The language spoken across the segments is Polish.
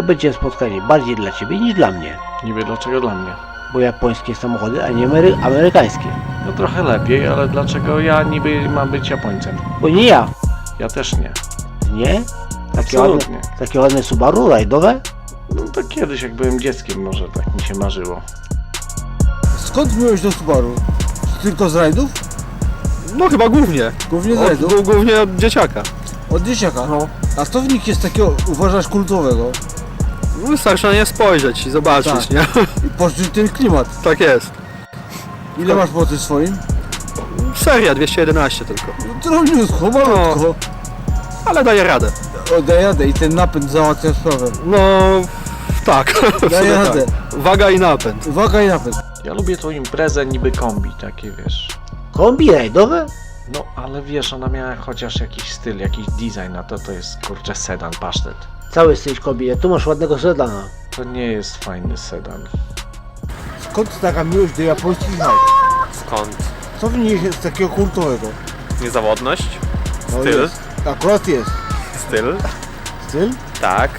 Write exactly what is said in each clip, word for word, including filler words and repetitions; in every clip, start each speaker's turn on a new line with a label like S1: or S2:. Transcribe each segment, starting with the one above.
S1: będzie spotkanie bardziej dla ciebie niż dla mnie.
S2: Niby dlaczego dla mnie?
S1: Bo japońskie samochody, a nie amery amerykańskie.
S2: No trochę lepiej, ale dlaczego ja niby mam być Japońcem?
S1: Bo nie ja.
S2: Ja też nie.
S1: Nie? Takie ładne,
S2: Absolutnie.
S1: takie ładne Subaru rajdowe?
S2: No to kiedyś jak byłem dzieckiem może tak mi się marzyło.
S3: Skąd miałeś do Subaru? Tylko z rajdów?
S4: No chyba głównie.
S3: Głównie z
S4: Od,
S3: rajdów?
S4: gó- głównie od dzieciaka.
S3: Od dzieciaka?
S4: No.
S3: A co w nich jest takiego, uważasz, kultowego?
S4: Wystarczy na nie spojrzeć i zobaczyć,
S3: Tak.
S4: nie?
S3: I poczuć ten klimat.
S4: Tak jest.
S3: Ile masz po tym swoim?
S4: Seria dwieście jedenaście tylko.
S3: No, drobniutko, malutko.
S4: Ale daje radę.
S3: O, daj jadę i ten napęd załatwia sprawę.
S4: No tak. w
S3: Daj
S4: sumie
S3: jadę.
S4: tak. Waga i napęd.
S3: Uwaga i napęd.
S2: Ja lubię tą imprezę niby kombi, takie wiesz.
S1: Kombi rajdowe?
S2: No ale wiesz, ona miała chociaż jakiś styl, jakiś design, a to to jest kurczę sedan, pasztet.
S1: Cały jesteś kombi, a tu masz ładnego sedana.
S2: To nie jest fajny sedan.
S3: Skąd taka miłość do japońskich rajd?
S5: Skąd?
S3: Co w nich jest takiego kultowego?
S5: Niezawodność?
S3: No
S5: Styl?
S3: jest. Akurat jest.
S5: Styl?
S3: Styl?
S5: Tak.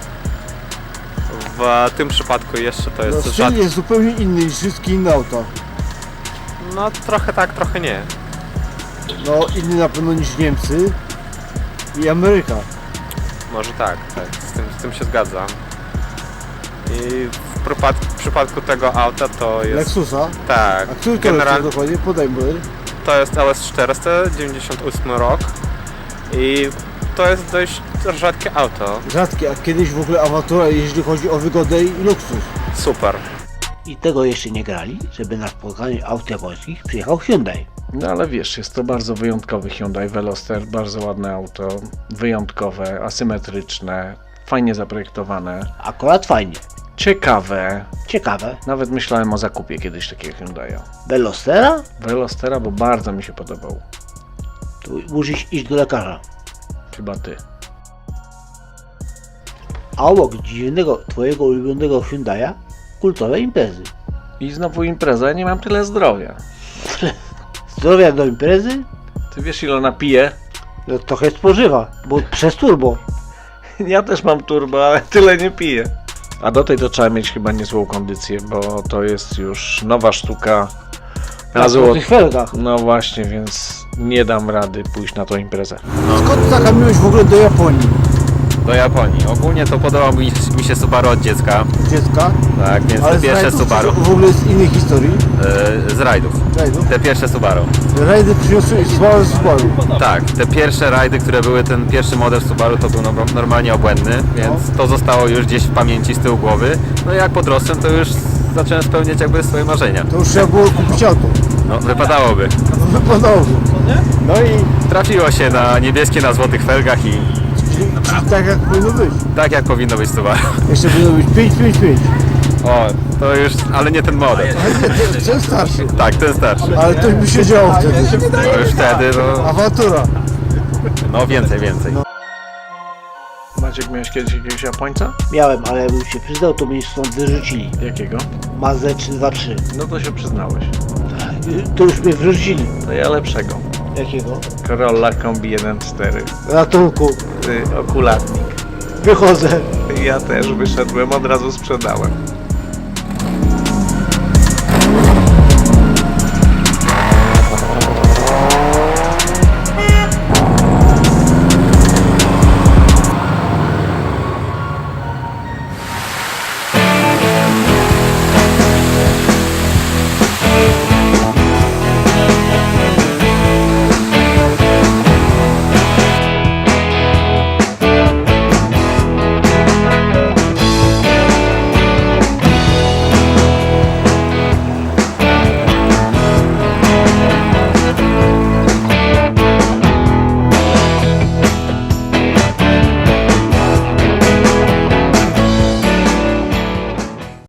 S5: W tym przypadku jeszcze to
S3: No,
S5: jest
S3: styl
S5: rzad...
S3: jest zupełnie inny niż wszystkie inne auta.
S5: No trochę tak, trochę nie.
S3: No, inny na pewno niż Niemcy i Ameryka.
S5: Może tak, tak. Z tym, z tym się zgadzam. I w, przypad... w przypadku tego auta to jest...
S3: Lexusa.
S5: Tak.
S3: A który to
S5: General...
S3: jest dokładnie? Podaj model.
S5: To jest L S czterysta, dziewięćdziesiąty ósmy rok. I to jest dość rzadkie auto.
S3: Rzadkie, a kiedyś w ogóle awantura, jeśli chodzi o wygodę i luksus.
S5: Super.
S1: I tego jeszcze nie grali, żeby na spotkaniu aut japońskich przyjechał Hyundai.
S2: No ale wiesz, jest to bardzo wyjątkowy Hyundai Veloster, bardzo ładne auto, wyjątkowe, asymetryczne, fajnie zaprojektowane,
S1: Akurat fajnie.
S2: ciekawe.
S1: Ciekawe.
S2: Nawet myślałem o zakupie kiedyś takiego Hyundai'a.
S1: Velostera?
S2: Velostera, bo bardzo mi się podobał.
S1: Tu musisz iść do lekarza.
S2: Chyba ty.
S1: A obok dziwnego, twojego ulubionego Hyundai'a, kultowe imprezy.
S2: I znowu impreza, ja nie mam tyle zdrowia.
S1: Zdrowia do imprezy?
S2: Ty wiesz ile ona pije?
S1: No, trochę spożywa, bo przez turbo.
S2: Ja też mam turbo, ale tyle nie piję. A do tej to trzeba mieć chyba niezłą kondycję, bo to jest już nowa sztuka na
S1: Na
S2: złot.
S1: złotych felgach.
S2: No właśnie, więc nie dam rady pójść na tą imprezę.
S3: Skąd taka miłość w ogóle do Japonii?
S6: Do Japonii. Ogólnie to podobał mi, mi się Subaru od dziecka.
S3: Dziecka?
S6: Tak, więc
S3: Ale
S6: te
S3: z
S6: pierwsze
S3: rajdów,
S6: Subaru.
S3: czy w ogóle z innej historii?
S6: E, z rajdów.
S3: Rajdów?
S6: Te pierwsze Subaru.
S3: Rajdy przyniosły Subaru Subaru.
S6: Tak, te pierwsze rajdy, które były, ten pierwszy model Subaru to był no, normalnie obłędny, więc to zostało już gdzieś w pamięci z tyłu głowy. No i jak podrosłem, to już zacząłem spełniać jakby swoje marzenia.
S3: To już trzeba było kupić auto.
S6: No, wypadałoby.
S3: No wypadałoby.
S6: No i trafiło się na niebieskie, na złotych felgach i
S3: Czyli, czyli tak jak powinno być.
S6: tak jak powinno być Subaru.
S3: Jeszcze powinno być pięć pięć pięć.
S6: O, to już, ale nie ten model.
S3: Ten starszy.
S6: Tak, ten starszy.
S3: Ale to by się działo wtedy.
S6: To już wtedy, no,
S3: Awantura.
S6: no więcej, więcej.
S2: Maciek, miałeś kiedyś jakiegoś Japońca?
S1: Miałem, ale jakbym się przyznał, to mnie stąd wyrzucili.
S2: Jakiego?
S1: Mazdę trzy dwa trzy.
S2: No to się przyznałeś.
S1: To już mnie wyrzucili.
S2: To ja lepszego.
S1: Jakiego?
S2: Corolla Kombi jeden cztery.
S1: Ratunku.
S2: Ty okulatnik.
S1: Wychodzę.
S2: Ja też wyszedłem, od razu sprzedałem.